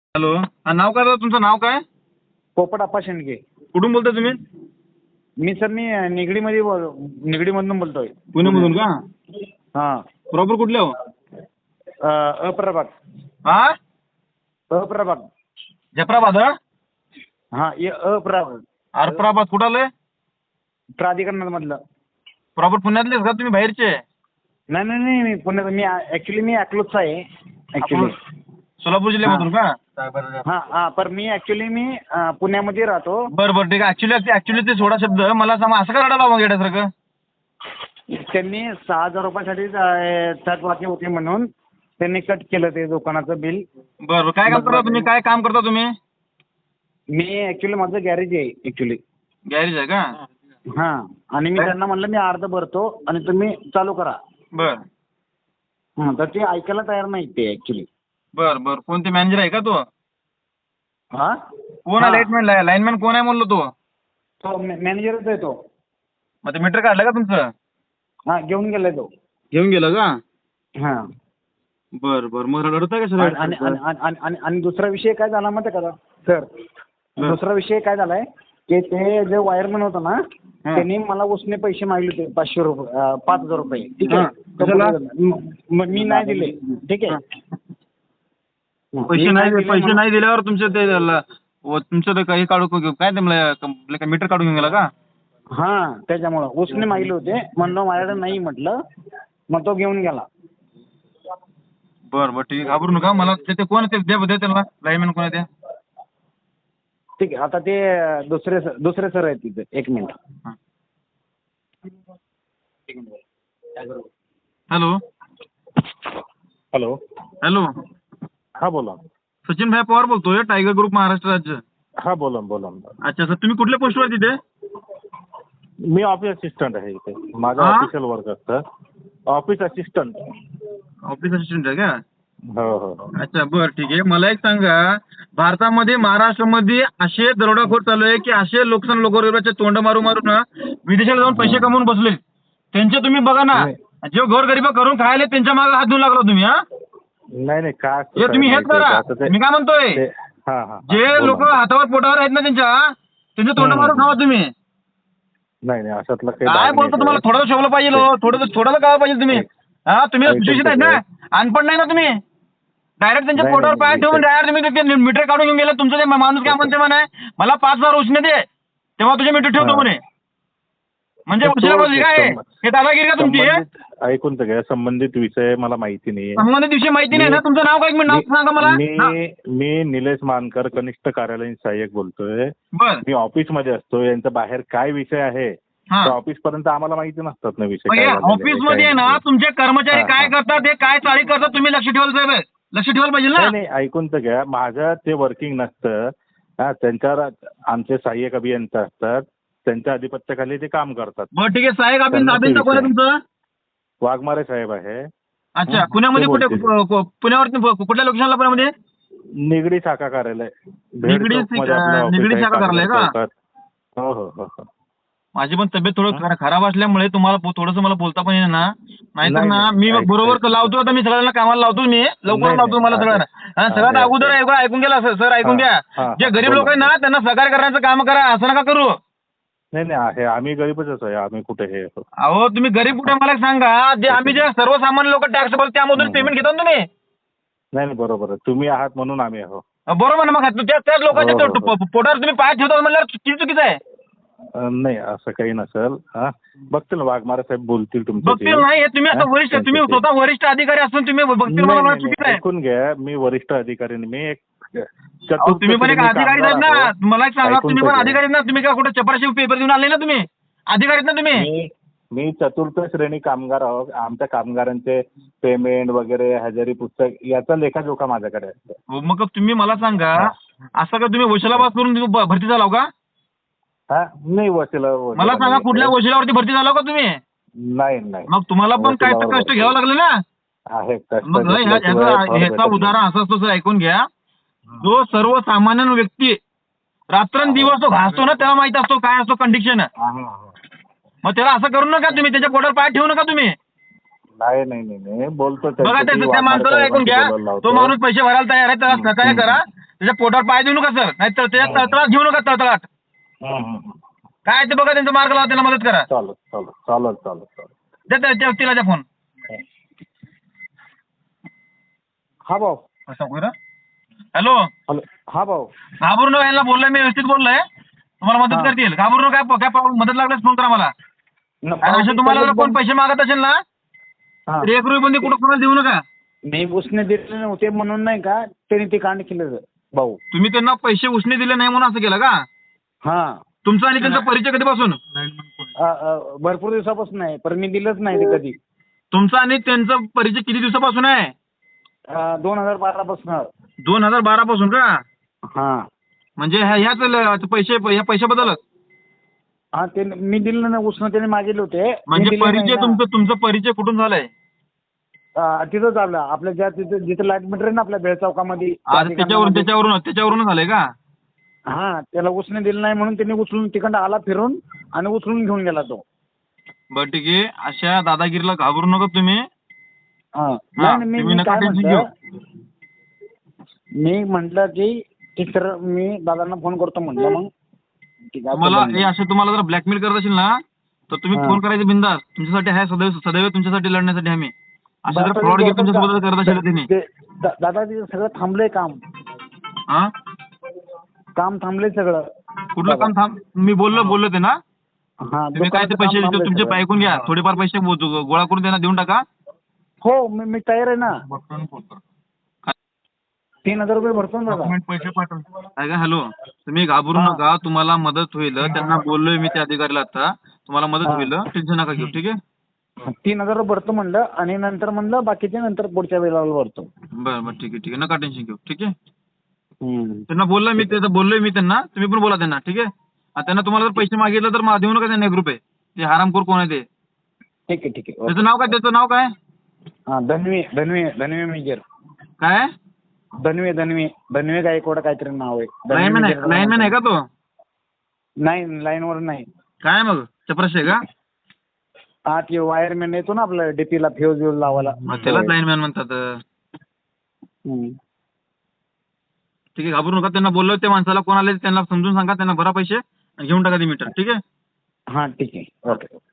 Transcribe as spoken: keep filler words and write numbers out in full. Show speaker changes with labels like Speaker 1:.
Speaker 1: Hello, हा नाव काय दादा तुमचं? नाव काय?
Speaker 2: पोपट आप्पा शेंडगे.
Speaker 1: कुठून बोलताय तुम्ही?
Speaker 2: मी सर मी निगडीमध्ये बोल निगडीमधून बोलतोय.
Speaker 1: पुण्यामधून का?
Speaker 2: हां.
Speaker 1: प्रॉपर कुठले हो?
Speaker 2: अ, अप्रभाग.
Speaker 1: हा
Speaker 2: अप्रभाग.
Speaker 1: जफराबाद हा?
Speaker 2: हां, ये अप्रभाग.
Speaker 1: अर्पराबाद कुठं आलंय?
Speaker 2: प्राधिकरणामधलं.
Speaker 1: प्रॉपर पुण्यातलेच का तुम्ही बाहेरचे?
Speaker 2: नाही नाही नाही मी पुण्यात मी ॲक्च्युली मी अकलूजचा आहे ॲक्च्युली.
Speaker 1: सोलापूर जिल्ह्यामधून का?
Speaker 2: हां हां पण मी ॲक्च्युली मी अ, पुण्यामध्ये राहतो.
Speaker 1: बरं बरं ठीक आहे. ॲक्च्युली ॲक्च्युली ते सोळा शब्द मला सांगा, असं का रडायला मग येण्यासारखं?
Speaker 2: त्यांनी सहा हजार रुपयासाठी थर्ड वाक्य होते म्हणून त्यांनी कट केलं ते दुकानाचं बिल.
Speaker 1: बरं बरं. काय काम करता तुम्ही? काय काम करता तुम्ही?
Speaker 2: मी ॲक्च्युली माझं गॅरेज आहे ॲक्च्युली.
Speaker 1: गॅरेज आहे का?
Speaker 2: हां आणि मी त्यांना म्हणलं मी अर्ध भरतो आणि तुम्ही चालू करा.
Speaker 1: बरं
Speaker 2: हां तर ते ऐकायला तयार नाहीत ते ॲक्च्युली.
Speaker 1: बरं बरं. कोणते मॅनेजर आहे का तो?
Speaker 2: हां
Speaker 1: कोण आहे लाईटमॅन? लाईनमॅन कोण आहे म्हणलो तो?
Speaker 2: तो मॅनेजरच आहे तो.
Speaker 1: मग ते मीटर काढलं का तुमचं?
Speaker 2: हां घेऊन गेलाय तो.
Speaker 1: घेऊन गेलं का?
Speaker 2: हां
Speaker 1: बरं बरं. मग रडताय का
Speaker 2: आणि आणि
Speaker 1: सर?
Speaker 2: आणि आणि आणि आणि दुसरा विषय काय झाला माहिती आहे का सर? दुसरा विषय काय झालाय की ते जे वायरमॅन होता ना त्यांनी मला उसने पैसे मागले होते पाचशे रुपये अं, पाच हजार रुपये. ठीक
Speaker 1: हां. कशाला?
Speaker 2: आहे. म- म- मी नाही दिले. ठीक आहे.
Speaker 1: पैसे
Speaker 2: मी
Speaker 1: नाही
Speaker 2: दिले
Speaker 1: पैसे
Speaker 2: म्हणून-
Speaker 1: नाही दिल्यावर तुमचं ते ल- व तुमचं ते काही काढू काय ते मला क- काय मीटर काढून घेऊन गेला का?
Speaker 2: हां त्याच्यामुळं उसने मागले होते म्हणलं माझ्याकडे नाही म्हटलं मग तो घेऊन गेला.
Speaker 1: बरं बरं ठीक आहे. घाबरू नका. मला ते ते कोण आहे ते द्या द्या त्यांना. लाईनमॅन कोण आहे त्या?
Speaker 2: ठीक आहे आता ते दुसरे सर दुसरे सर आहेत तिथे. एक मिनिट.
Speaker 1: हां. Hello
Speaker 3: hello.
Speaker 1: हॅलो
Speaker 3: हा बोला.
Speaker 1: सचिन भाई पवार बोलतोय, टायगर ग्रुप महाराष्ट्र राज्य.
Speaker 3: हा बोला बोला.
Speaker 1: अच्छा सर, तुम्ही कुठल्या पोस्टवर तिथे?
Speaker 3: मी ऑफिस असिस्टंट आहे इथे. माझं
Speaker 1: हा?
Speaker 3: ऑफिशियल वर्क असतं. Office assistant.
Speaker 1: ऑफिस असिस्टंट आहे का?
Speaker 3: हो हो हो.
Speaker 1: अच्छा बरं ठीक आहे. मला एक सांगा, भारतामध्ये महाराष्ट्रामध्ये असे दरोडाखोर चालू आहे की असे लोकसन लोकगरिबाचे तोंड मारू मारू ना विदेशाला जाऊन पैसे कमवून बसले. त्यांचे तुम्ही बघा ना, जे गोरगरीब करून खायले त्यांच्या मागे हात धुवून लागला तुम्ही. हा
Speaker 3: नाही नाही का
Speaker 1: हे तुम्ही हेच करा. मी काय म्हणतोय,
Speaker 3: हा हा
Speaker 1: जे लोक हातावर पोटावर आहेत ना त्यांच्या त्यांचे तोंड मारून खावा तुम्ही.
Speaker 3: नाही नाही अशातलं काही
Speaker 1: काय
Speaker 3: भाग
Speaker 1: बोलतो
Speaker 3: नाही
Speaker 1: तुम्हाला?
Speaker 3: सर.
Speaker 1: थोडं शोभलं पाहिजे हो. थोडं थोडं कळलं पाहिजे तुम्ही. हा तुम्ही
Speaker 3: ऐकून
Speaker 1: सुशिक्षित आहेत ना, अनपढ नाही ना तुम्ही. डायरेक्ट त्यांच्या
Speaker 3: नाही,
Speaker 1: पोटावर
Speaker 3: नाही,
Speaker 1: पाय
Speaker 3: नाही,
Speaker 1: ठेवून
Speaker 3: इथे-
Speaker 1: डायरेक्ट तुम्ही ते मीटर काढून घेऊन गेला. तुमचं ते माणूस काय म्हणते म्हणे, मला पाच हजार उसने दे तेव्हा तुझे मीटर ठेवतो
Speaker 3: हा.
Speaker 1: म्हणे. म्हणजे
Speaker 3: तर
Speaker 1: उशिरा
Speaker 3: तो
Speaker 1: बोलली काय
Speaker 3: संब-
Speaker 1: हे दादागिरी का तुमची?
Speaker 3: संबंधित ऐकून तर घ्या. संबंधित विषय मला माहिती नाही.
Speaker 1: संबंधित विषय माहिती नाही ना. तुमचं नाव काय? एक मिनिट नाव सांगा मला. हा.
Speaker 3: मी मी निलेश मानकर, कनिष्ठ कार्यालयीन सहाय्यक बोलतोय.
Speaker 1: बर
Speaker 3: मी ऑफिसमध्ये असतो. यांचा बाहेर काय विषय आहे
Speaker 1: हा.
Speaker 3: तर ऑफिस पर्यंत आम्हाला माहिती नसतात ना विषय
Speaker 1: मग
Speaker 3: काय
Speaker 1: या
Speaker 3: झालेले आहे,
Speaker 1: ऑफिस
Speaker 3: काय
Speaker 1: मध्ये ना
Speaker 3: नाही.
Speaker 1: तुमचे कर्मचारी
Speaker 3: हा,
Speaker 1: काय
Speaker 3: हा.
Speaker 1: करतात, हे काय चाळी करतात, तुम्ही लक्ष ठेवायला साहेब. लक्ष ठेवायला पाहिजे ना.
Speaker 3: नाही नाही ऐकून तर घ्या. माझं ते वर्किंग नसतं. हा त्यांच्यावर आमचे सहाय्यक अभियंता असतात. त्यांच्या अधिपत्याखाली ते काम करतात.
Speaker 1: बरं ठीक आहे. साहेब आपण
Speaker 3: त्यांना ते
Speaker 1: अभियंता कोण आहे
Speaker 3: विषय.
Speaker 1: तुमचं?
Speaker 3: वाघमारे साहेब आहे.
Speaker 1: अच्छा
Speaker 3: हं,
Speaker 1: पुण्यामध्ये
Speaker 3: ते
Speaker 1: कुठे
Speaker 3: बोलतील.
Speaker 1: कु- पुण्यावरती कु- कुठल्या लोकेशनला पुण्यामध्ये?
Speaker 3: निगडी शाखा कार्यालय. भेड
Speaker 1: निगडी
Speaker 3: चौकमध्ये आपलं
Speaker 1: अं,
Speaker 3: ऑफिस
Speaker 1: निगडी
Speaker 3: आहे,
Speaker 1: शाखा कार्यालय
Speaker 3: कागल
Speaker 1: का?
Speaker 3: चौकात. हो हो हो हो.
Speaker 1: माझी पण तब्येत थोडं खरा- खराब असल्यामुळे तुम्हाला पो- थोडंसं मला बोलता पण येईल ना. नाहीतर
Speaker 3: नाही,
Speaker 1: ना
Speaker 3: नाही,
Speaker 1: मी
Speaker 3: ऐक-
Speaker 1: बरोबर
Speaker 3: ऐक.
Speaker 1: लावतो. आता मी सगळ्यांना कामाला लावतो. मी लवकर
Speaker 3: नाही,
Speaker 1: लावतो मला
Speaker 3: नाही,
Speaker 1: सगळ्यांना.
Speaker 3: आहे.
Speaker 1: आणि सगळ्यात
Speaker 3: आहे,
Speaker 1: अगोदर
Speaker 3: आहे.
Speaker 1: ऐकून ऐकून गेला सर सर ऐकून
Speaker 3: हा,
Speaker 1: घ्या.
Speaker 3: हा,
Speaker 1: जे गरीब
Speaker 3: बोला.
Speaker 1: लोक आहे ना त्यांना सहकार्य करण्याचं काम करा. असं नका करू.
Speaker 3: नाही नाही आहे. आम्ही गरीबच आहे. आम्ही कुठे हे
Speaker 1: अहो तुम्ही गरीब कुठे मला एक सांगा. जे आम्ही जे सर्वसामान्य लोक टॅक्स भरतो त्यामधून
Speaker 3: हं,
Speaker 1: पेमेंट
Speaker 3: हं.
Speaker 1: घेता ना तुम्ही.
Speaker 3: नाही नाही बरोबर आहे. तुम्ही आहात म्हणून आम्ही आहो.
Speaker 1: बरोबर ना. मग त्या- त्याच लोकांच्या
Speaker 3: हो, हो,
Speaker 1: तो-
Speaker 3: हो.
Speaker 1: पोटावर तुम्ही पाय ठेवता म्हणल्यावर किती चुकीचं आहे.
Speaker 3: अं, नाही असं काही नसेल. हा बघतील वाघमारे साहेब बोलतील तुमच्याशी.
Speaker 1: बघतील नाही हे तुम्ही आता
Speaker 3: हा,
Speaker 1: वरिष्ठ तुम्ही
Speaker 3: त्यांच्याशी.
Speaker 1: स्वतः वरिष्ठ अधिकारी असून तुम्ही बघतील
Speaker 3: नाही,
Speaker 1: मला मला
Speaker 3: नाही,
Speaker 1: चुकीचं
Speaker 3: नाही,
Speaker 1: आहे.
Speaker 3: ऐकून घ्या. मी वरिष्ठ अधिकारी नाही. मी एक
Speaker 1: अहो,
Speaker 3: चतुर्थ
Speaker 1: तुम्ही पण एक
Speaker 3: श्रेणी
Speaker 1: अधिकारी
Speaker 3: कामगार
Speaker 1: आहेत ना.
Speaker 3: आहो.
Speaker 1: मला एक सांगा
Speaker 3: ऐकून
Speaker 1: तुम्ही
Speaker 3: तर
Speaker 1: पण
Speaker 3: घ्या.
Speaker 1: अधिकारी ना. तुम्ही काय कुठे चपराशी पेपर देऊन आले ना तुम्ही? अधिकारी आहेत ना तुम्ही?
Speaker 3: मी मी चतुर्थ श्रेणी कामगार आहोत. आमच्या कामगारांचे पेमेंट वगैरे हजेरी पुस्तक याचा लेखाजोखा माझ्याकडे असतो.
Speaker 1: हो, मग तुम्ही मला सांगा
Speaker 3: हा.
Speaker 1: असं का तुम्ही वशिलाबाद करून तुम्ही भ- भरती झालाव का?
Speaker 3: हा नाही वशिला वशिला
Speaker 1: मला सांगा
Speaker 3: नाही
Speaker 1: कुठल्या
Speaker 3: आहे.
Speaker 1: वशिलावरती भरती झालाव का तुम्ही?
Speaker 3: नाही नाही
Speaker 1: मग तुम्हाला पण काय तर
Speaker 3: वशिलावर
Speaker 1: कष्ट
Speaker 3: भरती.
Speaker 1: घ्यावं लागलं ना.
Speaker 3: आहे कष्ट
Speaker 1: मग ह्या-
Speaker 3: घेतल्याशिवाय
Speaker 1: ह्याचा
Speaker 3: फळ
Speaker 1: ह्याचा
Speaker 3: भेटत
Speaker 1: उदाहरण
Speaker 3: नाही.
Speaker 1: असं असतो सर ऐकून घ्या. जो सर्वसामान्य व्यक्ती रात्रंदिवस तो घासतो ना त्याला माहित असतो काय असतो कंडिशन.
Speaker 3: हा, हा, हा.
Speaker 1: मग त्याला असं करू नका तुम्ही. त्याच्या पोटावर पाय ठेवू नका तुम्ही.
Speaker 3: नाही नाही नाही नाही बोलतो
Speaker 1: बघा
Speaker 3: त्यांच्याशी.
Speaker 1: त्या त्या
Speaker 3: वाघमारे
Speaker 1: माणसाला ऐकून
Speaker 3: साहेबांशी
Speaker 1: घ्या.
Speaker 3: बोलायला
Speaker 1: तो
Speaker 3: लावतो.
Speaker 1: माणूस पैसे भरायला तयार आहे. त्याला सहकार्य करा. त्याच्या पोटावर पाय देऊ नका सर, नाही तर त्याच्या तळतळात घेऊ नका तळतळात.
Speaker 3: हं, हं, हं.
Speaker 1: काय ते बघा त्यांचा मार्ग लावा, त्यांना मदत करा.
Speaker 3: चालेल चालेल चालेल चालेल चालेल.
Speaker 1: द्या त्या त्या व्यक्तीला द्या फोन.
Speaker 2: हा भाऊ.
Speaker 1: हॅलो,
Speaker 2: हॅलो हा भाऊ.
Speaker 1: घाबरू नका, यांना बोललोय मी, व्यवस्थित बोललोय, तुम्हाला मदत
Speaker 2: हा.
Speaker 1: करतील. घाबरू नका, काय काय प्रॉब्लेम, मदत लागल्यास फोन करा मला.
Speaker 2: न-
Speaker 1: आणि असं तुम्हाला जर कोण पैसे मागत असेल ना,
Speaker 2: हा.
Speaker 1: तर एक रुपये बंदी कुठं कोणाला देऊ नका.
Speaker 2: मी उसने दिले नव्हते म्हणून नाही का त्यांनी ते कांड केलं भाऊ.
Speaker 1: तुम्ही त्यांना पैसे उसने दिले नाही म्हणून असं केलं का?
Speaker 2: हा.
Speaker 1: तुमचा आणि त्यांचा परिचय कधीपासून?
Speaker 2: अ, अ, भरपूर दिवसापासून आहे पण मी दिलंच नाही ते कधी.
Speaker 1: तुमचा आणि त्यांचा परिचय किती दिवसापासून आहे?
Speaker 2: अ, दोन हजार बारा पासून.
Speaker 1: दोन हजार बारा पासून का?
Speaker 2: हा.
Speaker 1: म्हणजे ह्या- ह्याच ल- पैसे ह्या पैशाबद्दल
Speaker 2: हा ते मी दिलं नाही उसने त्याने मागितले होते. मी
Speaker 1: म्हणजे
Speaker 2: दिले नाही
Speaker 1: परिचय
Speaker 2: ना.
Speaker 1: तुमचं तुमचा परिचय कुठून झालाय?
Speaker 2: अ, तिथं चाललं आपल्या ज्या तिथं जिथं लाईट मीटर आहे ना आपल्या बेळ चौकामध्ये.
Speaker 1: आज त्याच्यावरून त्याच्यावरून त्याच्यावरून झालंय का?
Speaker 2: हा त्याला उसने दिलं नाही म्हणून त्यांनी उचलून तिकडं आला फिरून आणि उचलून घेऊन गेला तो.
Speaker 1: बरं ठीक आहे, अशा दादागिरीला घाबरू नका तुम्ही.
Speaker 2: हा.
Speaker 1: हा,
Speaker 2: नाही, नाही, मी
Speaker 1: तुम्ही
Speaker 2: मी
Speaker 1: नका
Speaker 2: काय
Speaker 1: टेन्शन
Speaker 2: म्हटलं मी म्हटलं की ठीक तर मी दादांना फोन करतो म्हटलं मग ठीक आहे.
Speaker 1: तुम्हाला हे असे तुम्हाला जर ब्लॅकमेल करत असेल ना, तर तुम्ही
Speaker 2: हा.
Speaker 1: फोन करायचे बिंदास. तुमच्यासाठी आहे सदैव सदैव तुमच्यासाठी लढण्यासाठी आम्ही. असं जर
Speaker 2: बरं,
Speaker 1: फ्रॉड
Speaker 2: बरं,
Speaker 1: तुमच्यासोबत करत असेल त्यांनी,
Speaker 2: ते- दा- दादा तिथं सगळं थांबलंय काम.
Speaker 1: हा,
Speaker 2: काम थांबलंय सगळं.
Speaker 1: कुठलं काम थांब? मी बोललो बोललो ते ना,
Speaker 2: हा
Speaker 1: तुम्ही काय ते
Speaker 2: दुकानाचं
Speaker 1: पैसे
Speaker 2: काम
Speaker 1: देतो
Speaker 2: थांबलंय
Speaker 1: तुमचे
Speaker 2: सगळं.
Speaker 1: ऐकून घ्या, थोडेफार पैसे गो- गो- गोळा करून त्यांना देऊन टाका.
Speaker 2: हो मी मी तयार आहे ना. तीन हजार रुपये भरतो ना दादा.
Speaker 1: पैसे पाठव. काय हॅलो, तुम्ही घाबरू
Speaker 2: हा.
Speaker 1: नका, तुम्हाला मदत होईल. त्यांना बोललोय मी त्या अधिकाऱ्याला आता, तुम्हाला मदत
Speaker 2: हा.
Speaker 1: होईल, टेन्शन नका घेऊ. ठीक आहे.
Speaker 2: तीन हजार रुपये भरतो म्हणलं आणि नंतर म्हणलं बाकीचे नंतर पुढच्या वेळेला भरतो.
Speaker 1: बरं बरं ठीक आहे ठीक आहे, नका टेन्शन घेऊ. ठीक आहे.
Speaker 2: हम्म.
Speaker 1: त्यांना बोललोय मी, त्याचं बोललोय मी त्यांना, तुम्ही पण बोला त्यांना. ठीक आहे. आणि त्यांना तुम्हाला जर पैसे मागितलं तर मला देऊ नका त्यांना एक रुपये. ते हरामखोर कोण आहे ते?
Speaker 2: ठीक आहे ठीक आहे.
Speaker 1: त्याचं नाव काय? त्याचं नाव काय?
Speaker 2: हा धनवी धनवी धनवी मेजर.
Speaker 1: काय?
Speaker 2: धनवी धनवी धनवी गायकवाड काहीतरी नाव आहे. धनवी
Speaker 1: लाईनमॅन आहे?
Speaker 2: मेजर.
Speaker 1: लाईनमॅन आहे का तो?
Speaker 2: नाही लाईनवर नाही.
Speaker 1: काय मग चपराशी आहे का?
Speaker 2: हा ते वायरमॅन येतो ना आपलं डीपीला फ्यूज व्यूज लावायला.
Speaker 1: मग त्यालाच लाईनमॅन म्हणतात.
Speaker 2: हम्म.
Speaker 1: ठीक आहे, घाबरू नका. त्यांना बोललो त्या माणसाला कोण आले त्यांना समजून सांगा, त्यांना भरा पैसे आणि घेऊन टाका ते मीटर. ठीक आहे.
Speaker 2: हा ठीक आहे ओके.